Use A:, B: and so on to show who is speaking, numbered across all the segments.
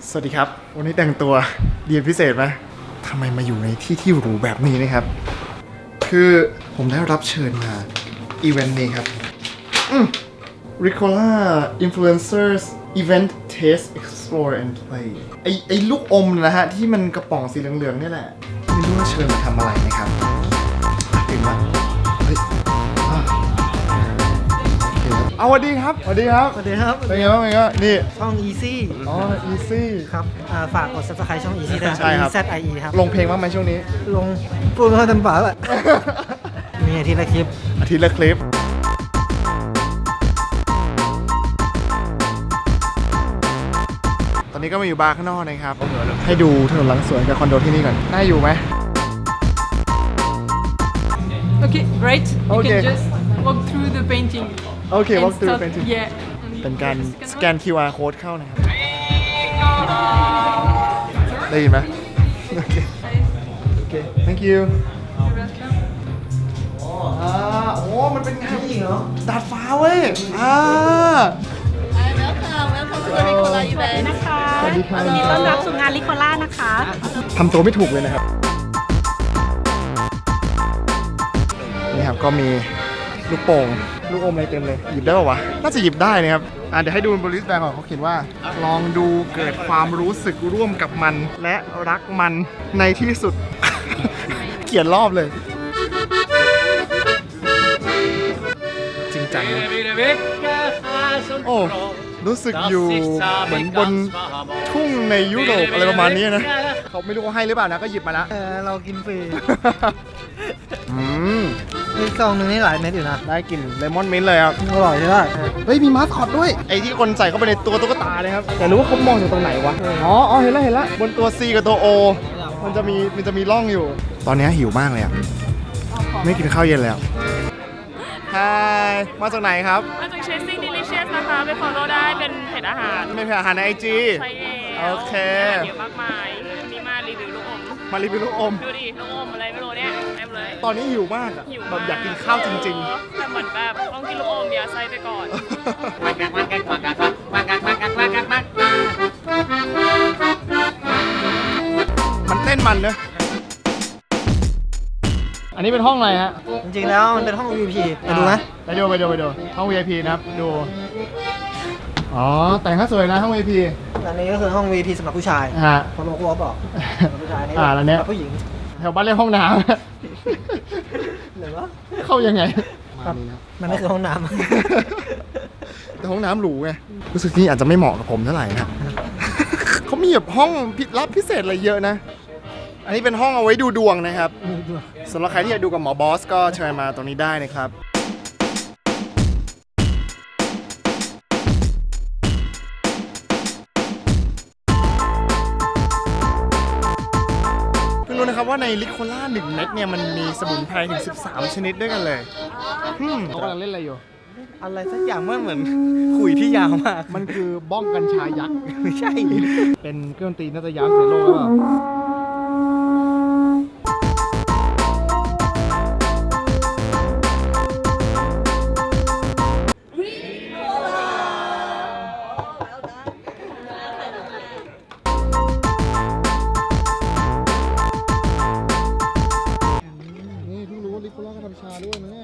A: สวัสดีครับวันนี้แต่งตัวเรียนพิเศษไหมทำไมมาอยู่ในที่หรูแบบนี้นะครับคือผมได้รับเชิญมาอีเวนต์นี้ครับRicola Influencers Event Taste Explore and Play ไอลูกอมนะฮะที่มันกระป๋องสีเหลืองๆนี่แหละไม่รู้ว่าเชิญมาทำอะไรนะครับตื่นมาเฮ้ยเอาสวัสดีครับสวัสดีครับ
B: สวัสดีครับ
A: เป็นไงบ้างนี่
B: ช่อง Easy
A: อ๋อ Easy
B: ครับฝากกด Subscribe ช่อง Easy ด้วย
A: ใช่ครับ
B: EZIE ครับ
A: ลงเพลงบ้างไหมช่วงนี้
B: ลงพูดไม่ค่อยเต็มปากเลยมีอาทิตย์ละคลิป
A: อาทิตย์ละคลิปตอนนี้ก็มาอยู่บาร์ข้างนอกนะครับให้ดูถนนหลังสวนกับคอนโดที่นี่ก่อนน่าอยู่ไหม
C: Okay, great. You
A: Okay.
C: can just walk through the painting.
A: โอเค
C: and
A: walk through
C: start-
A: painting
C: Yeah.
A: เป็นการสแกน QR code เข้านะครับได้ยินไหมโอเคโอเค thank you
C: You're welcome.
A: โอ้มันเป็นงานจริงเหรอดาดฟ้าเว้ย
D: Welcome to the Ricola event
E: นะคะ
A: สวัสดีครับ
E: ยินดีต้อนรับสู่งานลิโคล่านะคะ
A: ทำตัวไม่ถูกเลยนะครับนี่ครับก็มีลูกโป่งลูกอมอะไรเต็มเลยหยิบได้ป่าวะน่าจะหยิบได้นะครับเดี๋ยวให้ดูบนลิสต์แบงก่อนเขาเขียนว่าลองดูเกิดความรู้สึกร่วมกับมันและรักมันในที่สุด เขียนรอบเลยจริงจังนะโอ้รู้สึกอยู่เหมือนบนทุ่งในยุโรปอะไรประมาณนี้นะเขาไม่รู้เขาให้หรือเปล่านะก็หยิบมาแล้ว
B: เรากินฟรี
A: อืม
B: มีซองหนึงนี่หลายเม็ดอยู่นะ
A: ได้กลิ่นเลมอนมิ้นท์เลยครับ
B: อร่อยใช่ไหม
A: เฮ้ยมีมาสคอตด้วยไอ้ที่คนใส่เข้าไปในตัวตุ๊กตาเลยครับแต่รู้ว่าเขามองจากตรงไหนวะอ๋อเห็นแล้วบนตัว C กับตัว O มันจะมีร่องอยู่ ตอนนี้หิวมากเลยอ่ะไม่กินข้าวเย็นแล้วฮายมาจากไหนครับ
D: มาจาก Chasing Delicious นะคะไป follow ได้เป็นเพจอาหาร
A: เป็นอาหารใน IG
D: ใช่แล้ว
A: โอเค
D: อาหารเยอะมากมายวันนี้มารีวิวลูกอม
A: มารีวิวลูกอม
D: ดูดิลูกอมอะไรไม่รู้เนี่ยเต็มเลย
A: ตอนนี้หิวมากอะ
D: หิว
A: แบ
D: มาก
A: บอยากกินข้าวจริง
D: แต่เหมือนแบบต้องกินลูกอมยาไส้ไปก่อน
A: มันเต้นมันเนอะอันนี้เป็นห้องอะไรฮะ
B: จริงๆแล้วมันเป็นห้อง VIP ไปดูไหม
A: ไปดูห้อง VIP นะครับดูอ๋อแต่งข้าสวยนะห้อง VIP
B: อันนี้ก็คือห้อง VIP สำหรับผู้ชาย
A: ฮะ
B: พอโลโก้บอกสำหรับผู้ชายนี่
A: แล้วเนี้ย
B: สำหรับผู้หญิง
A: แถวบ้านเรียกห้องน้
B: หรือว่า
A: ำ เข้ายังไง
B: มันไม่คือห้องน้
A: แต่ห้องน้ำหรูไงรู้สึกที่อาจจะไม่เหมาะกับผมเท่าไหร่นะ เขามีแบบห้องลับพิเศษอะไรเยอะนะ อันนี้เป็นห้องเอาไว้ดูดวงนะครับสำหรับใครที่อยากดูกับหมอบอสก็เชิญมาตรงนี้ได้นะครับเพิ่งรู้นะครับว่าในลิโคล่า1 เม็ดเนี่ยมันมีสมุนไพรถึง13 ชนิดด้วยกันเลยเขากำลังเล่นอะไรอยู่
B: ำอะไรสักอย่างมันเหมือนขุยที่ยาวมาก
A: มันคือบ้องกัญชายักษ์
B: ไม่ใช่
A: เป็นเครื่องดนตรีน่าจะยาวที่สุดในโลกหรือเปล่านี่เพิ่งรู้ว่าลิโคล่าก็ทำชาด้วยนะเนี่ย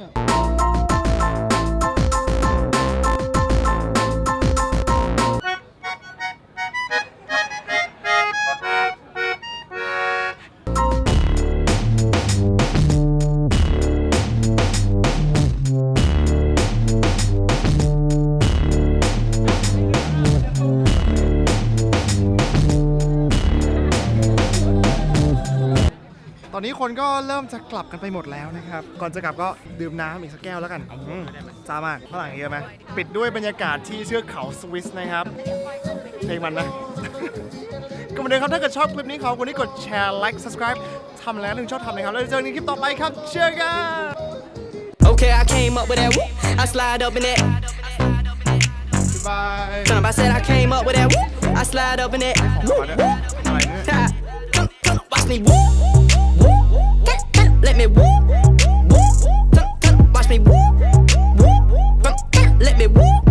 A: ตอนนี้คนก็เริ่มจะกลับกันไปหมดแล้วนะครับ ก่อนจะกลับก็ดื่มน้ำอีกสักแก้วแล้วกันจ้ามากฝรั่งเยอะไหมปิดด้วยบรรยากาศที่เชือกเขาสวิสนะครับ เพลงมันนะ ก็เหมือนเดิมครับถ้าเกิดชอบคลิปนี้ขอคนที่กดแชร์ like subscribe ทำแล้วชอบทำเลยครับแล้วเจอกันในคลิปต่อไปครับเชื่อกัน
F: Okay, I came up with that whoop. I slide up in that.
A: บาย
F: I said I came up with that whoop. I slide up in that.
A: อะไรเนี่ย
F: Come, watch me whoop. Let me whoop. Come, watch me whoop. Let me whoop.